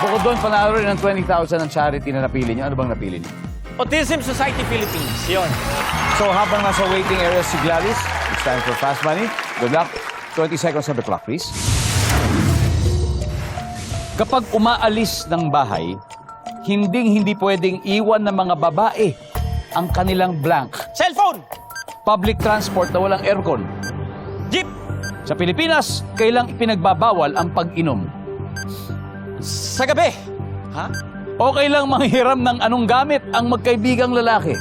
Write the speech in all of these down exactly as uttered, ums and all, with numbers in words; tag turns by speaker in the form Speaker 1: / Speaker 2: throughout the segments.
Speaker 1: Bukod doon, panalo rin ng twenty thousand ang charity na napili niyo. Ano bang napili niyo?
Speaker 2: Autism Society Philippines. Yun.
Speaker 1: So habang nasa waiting area si Gladys, it's time for Fast Money. Good luck. twenty seconds on the clock, please. Kapag umaalis ng bahay, hinding-hindi pwedeng iwan ng mga babae ang kanilang blank.
Speaker 2: Cellphone.
Speaker 1: Public transport na walang aircon.
Speaker 2: Jeep.
Speaker 1: Sa Pilipinas, kailang ipinagbabawal ang pag-inom.
Speaker 2: Sa gabi. Ha?
Speaker 1: Okay lang manghiram ng anong gamit ang magkaibigang lalaki.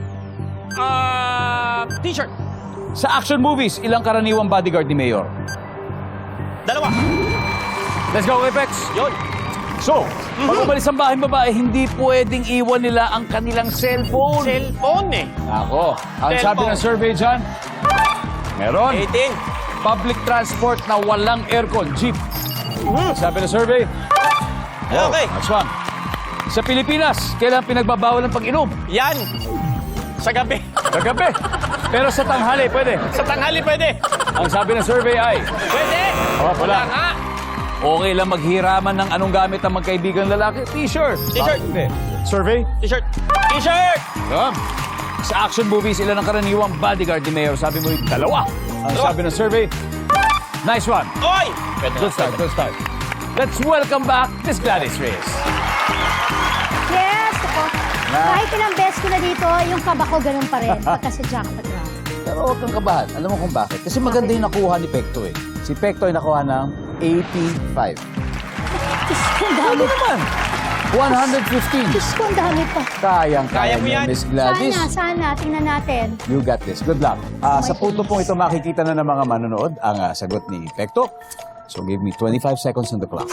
Speaker 2: Ah, t-shirt.
Speaker 1: Sa action movies, ilang karaniwang bodyguard ni Mayor?
Speaker 2: Dalawa.
Speaker 1: Let's go, Apex!
Speaker 2: Yun.
Speaker 1: So, pag umalis ang bahay babae, hindi pwedeng iwan nila ang kanilang cellphone.
Speaker 2: Cellphone eh.
Speaker 1: Ako, ang
Speaker 2: Cellphone.
Speaker 1: sabi ng survey dyan, meron.
Speaker 2: eighteen.
Speaker 1: Public transport na walang aircon, jeep. Sabi ng survey,
Speaker 2: Okay.
Speaker 1: next one. Sa Pilipinas, kailan pinagbabawal ang pag-inom?
Speaker 2: Yan. Sa gabi.
Speaker 1: Sa gabi. Pero sa tanghali, pwede.
Speaker 2: Sa tanghali pwede.
Speaker 1: Ang sabi ng survey ay,
Speaker 2: Pwede.
Speaker 1: Oh, wala.
Speaker 2: Wala nga.
Speaker 1: okay lang maghiraman ng anong gamit ang magkaibigang lalaki? T-shirt.
Speaker 2: T-shirt.
Speaker 1: Bakit hindi? Survey?
Speaker 2: T-shirt. T-shirt.
Speaker 1: Yeah. Sa action movies, ilan ang karaniwang bodyguard ni Mayor? Sabi mo, dalawa. Ang
Speaker 2: Dalawa.
Speaker 1: sabi ng survey, nice one.
Speaker 2: Oy. Pwede
Speaker 1: Good start, good start. Let's welcome back Miss Gladys Reyes.
Speaker 3: Yes, ako.
Speaker 1: Na.
Speaker 3: Kahit ilang beses ko na dito, yung kaba ko ganun pa rin. Pagka sa jackpot round.
Speaker 1: Pero huwag kang kabahan. Alam mo kung bakit? Kasi maganda yung nakuha ni Pekto eh. Si Pekto ay nakuha ng eighty-five.
Speaker 3: Diyos ko, ang
Speaker 1: Ano
Speaker 3: dami.
Speaker 1: naman? one hundred fifteen.
Speaker 3: Diyos ko, ang dami pa.
Speaker 1: Kayang
Speaker 2: Kaya
Speaker 1: kaya
Speaker 2: mo
Speaker 1: mo
Speaker 2: yan.
Speaker 1: Miss Gladys.
Speaker 3: Sana, sana. Tingnan natin.
Speaker 1: You got this. Good luck. Ah,
Speaker 3: my
Speaker 1: sa punto pong ito, makikita na ng mga manonood ang ah, sagot ni Pekto. So give me twenty-five seconds on the clock.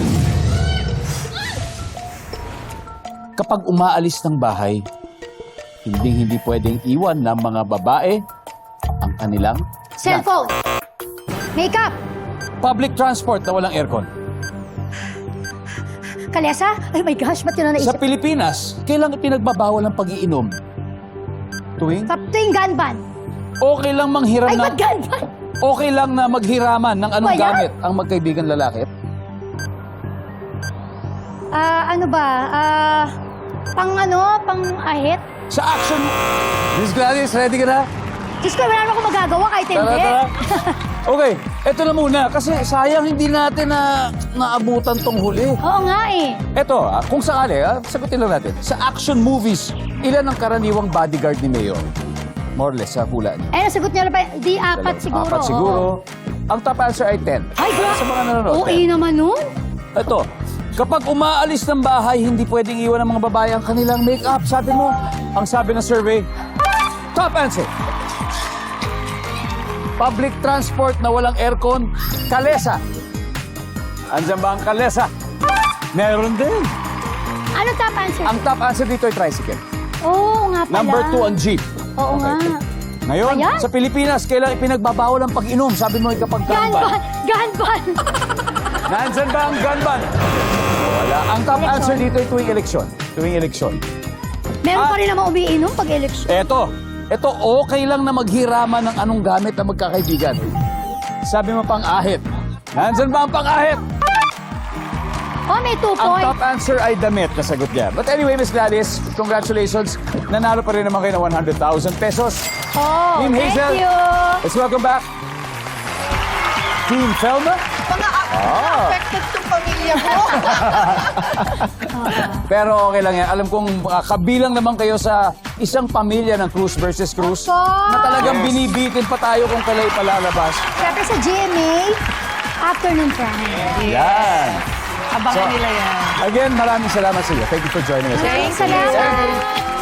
Speaker 1: Kapag umaalis ng bahay, hindi-hindi pwedeng iwan ng mga babae ang kanilang
Speaker 3: Cellphone. Makeup.
Speaker 1: public transport na walang aircon.
Speaker 3: Kalesa? Ay my gosh, ba't yun na
Speaker 1: Sa
Speaker 3: naisip?
Speaker 1: Pilipinas, kailang pinagbabawal ang pag-iinom? Tuwing?
Speaker 3: Sa tuwing gunban.
Speaker 1: Okay lang manghiram
Speaker 3: Ay,
Speaker 1: ng...
Speaker 3: ba't gunban?
Speaker 1: Okay lang na maghiraman ng anong
Speaker 3: Ba yan?
Speaker 1: gamit ang magkaibigan lalaki?
Speaker 3: Ah, ano ba? Ah, pang ano? Pang ahit?
Speaker 1: Sa action... Miss Gladys, ready ka na?
Speaker 3: Diyos ko, wala naman akong magagawa kahit
Speaker 1: Tara,
Speaker 3: hindi.
Speaker 1: tara. Okay, eto na muna. Kasi sayang hindi natin na naabutan tong huli.
Speaker 3: Oo nga eh.
Speaker 1: Eto, ah, kung sakali, ah, sagutin lang natin. Sa action movies, ilan ang karaniwang bodyguard ni Mayor? More or less, sa hula niyo.
Speaker 3: Eh, nasagot niyo na ba? Di apat siguro.
Speaker 1: Apat siguro. Ang top answer ay ten.
Speaker 3: Ay, gra-
Speaker 1: Sa mga nanonood.
Speaker 3: Oo, eh naman nun.
Speaker 1: Ito, kapag umaalis ng bahay, hindi pwedeng iwan ng mga babae ang kanilang make-up. Sabi mo, ang sabi ng survey, top answer. Public transport na walang aircon, kalesa. Andiyan ba ang kalesa? Meron din.
Speaker 3: Ano top answer?
Speaker 1: Ang top answer dito ay tricycle.
Speaker 3: Oo nga pala.
Speaker 1: Number two ang jeep.
Speaker 3: Oo nga.
Speaker 1: Ngayon,
Speaker 3: Ayan.
Speaker 1: sa Pilipinas, kailang ipinagbabawal ang pag-inom. Sabi mo ay kapag
Speaker 3: Gunban!
Speaker 1: gunban.
Speaker 3: Gunban!
Speaker 1: Nandyan ba ang gunban? Wala. Ang top
Speaker 3: Eleksyon.
Speaker 1: answer dito ay tuwing eleksyon. Tuwing eleksyon.
Speaker 3: Meron
Speaker 1: Ah.
Speaker 3: pa rin naman umiinom pag eleksyon.
Speaker 1: Eto, eto okay lang na maghiraman ng anong gamit ang magkakaibigan. Sabi mo pang ahit. Nandyan ba ang pang ahit?
Speaker 3: Oh, may two
Speaker 1: Ang
Speaker 3: points.
Speaker 1: top answer ay damit, nasagot niya. But anyway, Miss Gladys, congratulations. Nanalo pa rin naman kayo ng one hundred thousand pesos.
Speaker 3: Oh,
Speaker 1: Team
Speaker 3: thank
Speaker 1: Hazel.
Speaker 3: you.
Speaker 1: Let's welcome back Team Felma.
Speaker 4: Mga
Speaker 1: Ah.
Speaker 4: affected tong pamilya ko.
Speaker 1: Pero okay lang yan. Alam kong uh, kabilang naman kayo sa isang pamilya ng Cruz versus Cruz
Speaker 3: Of course.
Speaker 1: na talagang binibitin pa tayo kung kailan ipalalabas.
Speaker 3: Siyempre sa G M A, afternoon prime.
Speaker 1: Yan.
Speaker 4: Abangan
Speaker 1: So,
Speaker 4: nila yan.
Speaker 1: Again, maraming salamat sa iyo. Thank you for joining us.
Speaker 3: Salamat.